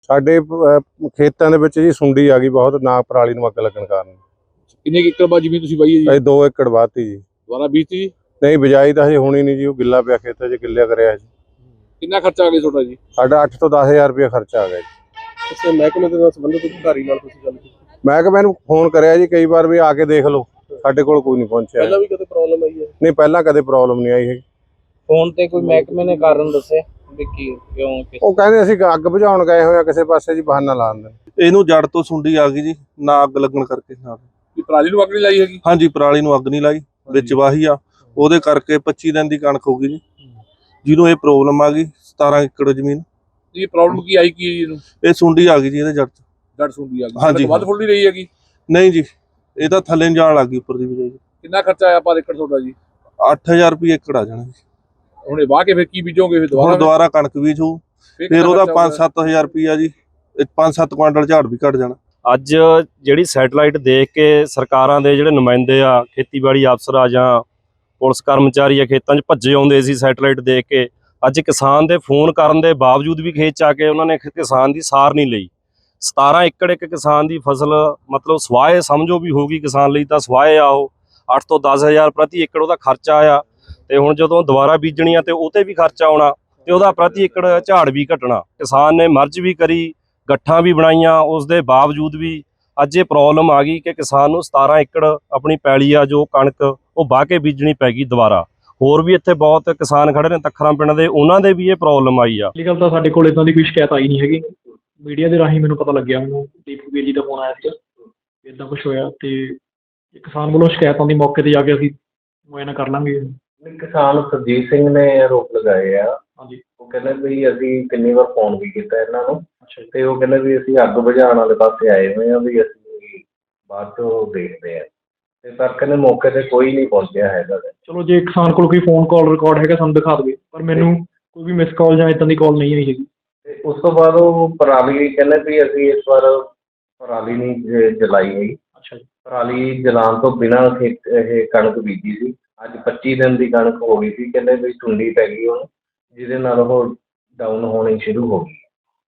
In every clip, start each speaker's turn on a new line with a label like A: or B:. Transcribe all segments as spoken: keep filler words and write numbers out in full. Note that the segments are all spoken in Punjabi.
A: ਸਾਡੇ ਖੇਤਾਂ ਦੇ ਵਿੱਚ ਜੀ ਸੁੰਡੀ ਆ ਗਈ ਬਹੁਤ, ਨਾ ਪਰਾਲੀ ਨੂੰ ਅੱਗ ਲੱਗਣ ਕਾਰਨ।
B: ਕਿੰਨੇ ਏਕੜ ਬਾਅਦ ਜ਼ਮੀਨ ਤੁਸੀਂ ਵਾਈ ਹੈ ਜੀ?
A: ਅਸੀਂ ਦੋ ਏਕੜ ਵਾਹਤੀ ਜੀ।
B: ਦੁਬਾਰਾ ਬੀਜਤੀ ਜੀ?
A: ਨਹੀਂ, ਬਿਜਾਈ ਤਾਂ ਹਜੇ ਹੋਣੀ ਨਹੀਂ ਜੀ, ਉਹ ਗਿੱਲਾ ਪਿਆ ਖੇਤਾਂ 'ਚ, ਗਿੱਲਿਆ ਕਰਿਆ ਜੀ।
B: ਕਿੰਨਾ ਖਰਚਾ ਆ ਗਿਆ ਤੁਹਾਡਾ ਜੀ?
A: ਸਾਡਾ ਅੱਠ ਤੋਂ ਦਸ ਹਜ਼ਾਰ ਰੁਪਇਆ ਖਰਚਾ ਆ ਗਿਆ ਜੀ।
B: ਇਸ ਮਹਿਕਮੇ ਦੇ ਨਾਲ ਸੰਬੰਧਿਤ ਅਧਿਕਾਰੀ ਨਾਲ ਤੁਸੀਂ ਗੱਲ ਕੀਤੀ?
A: ਮੈਂ ਕਿਹਾ ਮੈਨੂੰ ਫੋਨ ਕਰਿਆ ਜੀ ਕਈ ਵਾਰ ਵੀ ਆ ਕੇ ਦੇਖ ਲਓ, ਸਾਡੇ ਕੋਲ ਕੋਈ ਨਹੀਂ ਪਹੁੰਚਿਆ।
B: ਪਹਿਲਾਂ ਵੀ ਕਦੇ ਪ੍ਰੋਬਲਮ ਆਈ ਹੈ?
A: ਨਹੀਂ, ਪਹਿਲਾਂ ਕਦੇ ਪ੍ਰੋਬਲਮ ਨਹੀਂ ਆਈ ਹੈਗੀ।
C: ਫੋਨ ਤੇ ਕੋਈ ਮਹਿਕਮੇ ਨੇ ਕਾਰਨ ਦੱਸਿਆ ਵੀ ਕੀ ਕਿਉਂ?
A: ਉਹ ਕਹਿੰਦੇ ਅਸੀਂ ਅੱਗ ਬੁਝਾਉਣ ਗਏ ਹੋਏ ਆ ਕਿਸੇ ਪਾਸੇ ਜੀ, ਬਹਾਨਾ ਲਾਉਂਦੇ।
D: ਇਹਨੂੰ ਜੜ ਤੋਂ ਸੁੰਡੀ ਆ ਗਈ ਜੀ, ਨਾ ਅੱਗ ਲੱਗਣ ਕਰਕੇ। ਨਾਲ
B: ਕੀ ਪਰਾਲੀ ਨੂੰ ਅੱਗ ਨਹੀਂ ਲਾਈ ਹੈਗੀ?
D: ਹਾਂਜੀ, ਪਰਾਲੀ ਨੂੰ ਅੱਗ ਨਹੀਂ ਲਾਈ, ਵਿੱਚ ਵਾਹੀ ਆ, ਉਹਦੇ ਕਰਕੇ ਪੱਚੀ ਦਿਨ ਦੀ ਕਣਕ ਹੋ ਗਈ ਜੀ, ਜਿਹਨੂੰ ਇਹ ਪ੍ਰੋਬਲਮ ਆ ਗਈ। ਸਤਾਰਾਂ ਏਕੜ ਜ਼ਮੀਨ।
B: ਇਹ ਪ੍ਰੋਬਲਮ ਕੀ ਆਈ ਕੀ ਇਹਨੂੰ?
D: ਇਹ ਸੁੰਡੀ ਆ ਗਈ ਜੀ ਇਹਦੇ ਜੜ ਚ।
B: ਜੜ ਸੁੰਡੀ ਆ ਗਈ?
D: ਹਾਂਜੀ।
B: ਵੱਧ ਫੁੱਲ ਨਹੀਂ ਰਹੀ ਹੈਗੀ?
D: ਨਹੀਂ ਜੀ, ਇਹ ਤਾਂ ਥੱਲੇ ਨੂੰ ਜਾਣ ਲੱਗ ਗਈ, ਉੱਪਰ ਦੀ ਬਜਾਈ।
B: ਕਿੰਨਾ ਖਰਚਾ ਆਇਆ ਪਰ ਏਕੜ ਤੁਹਾਡਾ ਜੀ?
D: ਅੱਠ ਹਜ਼ਾਰ ਰੁਪਏ ਏਕੜ ਆ ਜਾਣਾ ਜੀ।
B: ਹੁਣ ਇਹ ਵਾਹ ਕੇ ਫਿਰ ਕੀ ਬੀਜੋਗੇ? ਫਿਰ
D: ਹੁਣ ਦੁਬਾਰਾ ਕਣਕ ਬੀਜ ਹੋਊ, ਫਿਰ ਉਹਦਾ ਪੰਜ ਸੱਤ ਹਜ਼ਾਰ ਰੁਪਇਆ ਜੀ, ਪੰਜ ਸੱਤ ਕੁਆਂਟਲ ਝਾੜ ਵੀ ਘਟ ਜਾਣਾ।
E: ਅੱਜ ਜਿਹੜੀ ਸੈਟਲਾਈਟ ਦੇਖ ਕੇ ਸਰਕਾਰਾਂ ਦੇ ਜਿਹੜੇ ਨੁਮਾਇੰਦੇ ਆ, ਖੇਤੀਬਾੜੀ ਅਫਸਰ ਆ ਜਾਂ ਪੁਲਿਸ ਕਰਮਚਾਰੀ ਆ, ਖੇਤਾਂ 'ਚ ਭੱਜੇ ਆਉਂਦੇ ਸੀ ਸੈਟਲਾਈਟ ਦੇਖ ਕੇ। ਅੱਜ ਕਿਸਾਨ ਦੇ ਫੋਨ ਕਰਨ ਦੇ ਬਾਵਜੂਦ ਵੀ ਖੇਤ 'ਚ ਆ ਕੇ ਉਹਨਾਂ ਨੇ ਕਿਸਾਨ ਦੀ ਸਾਰ ਨਹੀਂ ਲਈ। ਸਤਾਰਾਂ ਏਕੜ ਇੱਕ ਕਿਸਾਨ ਦੀ ਫਸਲ, ਮਤਲਬ ਸਵਾਏ ਸਮਝੋ ਵੀ ਹੋਗੀ ਕਿਸਾਨ ਲਈ, ਤਾਂ ਸਵਾਏ ਆ ਉਹ ਅੱਠ ਤੋਂ ਦਸ ਹਜ਼ਾਰ ਪ੍ਰਤੀ ਏਕੜ ਉਹਦਾ ਖਰਚਾ ਆਇਆ। ਤੇ ਹੁਣ ਜਦੋਂ ਦੁਬਾਰਾ ਬੀਜਣੀ ਆ ਤੇ ਉਹ ਤੇ ਵੀ ਖਰਚਾ ਆਉਣਾ, ਤੇ ਉਹਦਾ ਪ੍ਰਤੀ ਏਕੜ ਝਾੜ ਵੀ ਘਟਣਾ। ਕਿਸਾਨ ਨੇ ਮਰਜ਼ ਵੀ ਕਰੀ, ਗੱਠਾਂ ਵੀ ਬਣਾਈਆਂ, ਉਸ ਦੇ ਬਾਵਜੂਦ ਵੀ ਅੱਜ ਇਹ ਪ੍ਰੋਬਲਮ ਆ ਗਈ ਕਿ ਕਿਸਾਨ ਨੂੰ ਸਤਾਰਾਂ ਏਕੜ ਆਪਣੀ ਪੈਲੀ ਆ ਜੋ ਕਣਕ, ਉਹ ਵਾਹ ਕੇ ਬੀਜਣੀ ਪੈ ਗਈ ਦੁਬਾਰਾ। ਹੋਰ ਵੀ ਇੱਥੇ ਬਹੁਤ ਕਿਸਾਨ ਖੜੇ ਨੇ ਤੱਖਰਾਂ ਪਿੰਡ ਦੇ, ਉਹਨਾਂ ਦੇ ਵੀ ਇਹ ਪ੍ਰੋਬਲਮ ਆਈ ਆ।
F: ਪਹਿਲੀ ਗੱਲ ਤਾਂ ਸਾਡੇ ਕੋਲ ਇਦਾਂ ਦੀ ਕੋਈ ਸ਼ਿਕਾਇਤ ਆਈ ਨਹੀਂ ਹੈਗੀ। ਮੀਡੀਆ ਦੇ ਰਾਹੀਂ ਮੈਨੂੰ ਪਤਾ ਲੱਗਿਆ, ਮੈਨੂੰ ਦੀਪਕ ਵੀਰ ਜੀ ਦਾ ਫੋਨ ਆਇਆ ਸੀ, ਇੱਦਾਂ ਕੁਛ ਹੋਇਆ। ਤੇ ਕਿਸਾਨ ਵੱਲੋਂ ਸ਼ਿਕਾਇਤ ਆਉਂਦੀ, ਮੌਕੇ 'ਤੇ ਜਾ ਕੇ ਅਸੀਂ ਮੁਆਇਨਾ ਕਰ ਲਾਂਗੇ।
G: ਕਿਸਾਨ ਸਰਜੀਤ ਸਿੰਘ ਨੇ ਆਰੋਪ ਲਗਾਏ ਆ।
F: ਹਾਂਜੀ।
G: ਉਹ ਕਹਿੰਦੇ ਵੀ ਅਸੀਂ ਕਿੰਨੀ ਵਾਰ ਫੋਨ ਵੀ ਕੀਤਾ ਇਹਨਾਂ ਨੂੰ,
F: ਅੱਛਾ ਜੀ।
G: ਤੇ ਉਹ ਕਹਿੰਦੇ ਵੀ ਅਸੀਂ ਅੱਗ ਬੁਝਾਉਣ ਵਾਲੇ ਪਾਸੇ ਆਏ ਹੋਏ ਆ, ਵੀ ਅਸੀਂ ਬਾਅਦ ਚੋਂ ਦੇਖਦੇ ਆ। ਤੇ ਪਰ ਕਹਿੰਦੇ ਮੌਕੇ ਤੇ ਕੋਈ ਨਹੀਂ ਪਹੁੰਚਿਆ ਹੈਗਾ।
F: ਚਲੋ, ਜੇ ਕਿਸਾਨ ਕੋਲ ਕੋਈ ਫੋਨ ਕਾਲ ਰਿਕਾਰਡ ਹੈਗਾ ਸਾਨੂੰ ਦਿਖਾ ਦੇਵੇ, ਪਰ ਮੈਨੂੰ ਕੋਈ ਵੀ ਮਿਸ ਕਾਲ ਜਾਂ ਇੱਦਾਂ ਦੀ ਕਾਲ ਨਹੀਂ ਆਈ ਹੈਗੀ।
G: ਤੇ ਉਸ ਤੋਂ ਬਾਅਦ ਉਹ ਪਰਾਲੀ ਕਹਿੰਦੇ ਵੀ ਅਸੀਂ ਇਸ ਵਾਰ ਪਰਾਲੀ ਨਹੀਂ ਜ- ਜਲਾਈ ਹੈਗੀ।
F: ਅੱਛਾ ਜੀ।
G: ਪਰਾਲੀ ਜਲਾਉਣ ਤੋਂ ਬਿਨਾਂ ਖੇਤ ਇਹ ਕਣਕ ਬੀਜੀ ਸੀ। ਅੱਜ ਪੱਚੀ ਦਿਨ ਦੀ ਕਣਕ ਹੋ ਗਈ ਸੀ, ਕਹਿੰਦੇ ਵੀ ਸੁੰਡੀ ਪੈ ਗਈ ਉਹਨੂੰ, ਜਿਹਦੇ ਨਾਲ ਉਹ ਡਾਊਨ ਹੋਣੀ ਸ਼ੁਰੂ ਹੋ ਗਈ।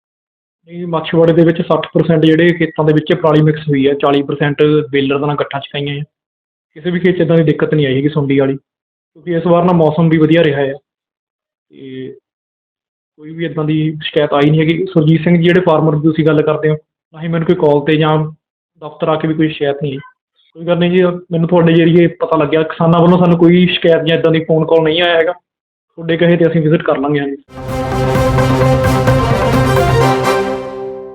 F: ਇਹ ਮਾਛੀਵਾੜੇ ਦੇ ਵਿੱਚ ਸੱਠ ਪਰਸੈਂਟ ਜਿਹੜੇ ਖੇਤਾਂ ਦੇ ਵਿੱਚ ਪਰਾਲੀ ਮਿਕਸ ਹੋਈ ਹੈ, ਚਾਲੀ ਪਰਸੈਂਟ ਬੇਲਰ ਦਾ ਨਾਲ ਗੱਠਾਂ ਚਕਾਈਆਂ ਹੈ। ਕਿਸੇ ਵੀ ਖੇਤ 'ਚ ਇੱਦਾਂ ਦੀ ਦਿੱਕਤ ਨਹੀਂ ਆਈ ਹੈਗੀ ਸੁੰਡੀ ਵਾਲੀ, ਕਿਉਂਕਿ ਇਸ ਵਾਰ ਨਾ ਮੌਸਮ ਵੀ ਵਧੀਆ ਰਿਹਾ ਹੈ ਤੇ ਕੋਈ ਵੀ ਇੱਦਾਂ ਦੀ ਸ਼ਿਕਾਇਤ ਆਈ ਨਹੀਂ ਹੈਗੀ। ਸੁਰਜੀਤ ਸਿੰਘ ਜੀ ਜਿਹੜੇ ਫਾਰਮਰ ਦੀ ਤੁਸੀਂ ਗੱਲ ਕਰਦੇ ਹੋ, ਨਾ ਹੀ ਮੈਨੂੰ ਕੋਈ ਕਾਲ 'ਤੇ ਜਾਂ ਦਫ਼ਤਰ ਆ ਕੇ ਵੀ ਕੋਈ ਸ਼ਿਕਾਇਤ ਨਹੀਂ ਆਈ। ਕੋਈ ਗੱਲ ਨਹੀਂ ਜੀ, ਮੈਨੂੰ ਤੁਹਾਡੇ ਜਰੀਏ ਪਤਾ ਲੱਗਿਆ, ਕਿਸਾਨਾਂ ਵੱਲੋਂ ਸਾਨੂੰ ਕੋਈ ਸ਼ਿਕਾਇਤ ਜਾਂ ਇੱਦਾਂ ਦੀ ਫੋਨ ਕਾਲ ਨਹੀਂ ਆਇਆ ਹੈਗਾ। ਤੁਹਾਡੇ ਕਹੇ 'ਤੇ ਅਸੀਂ ਵਿਜ਼ਿਟ ਕਰ ਲਾਂਗੇ। ਹਾਂਜੀ।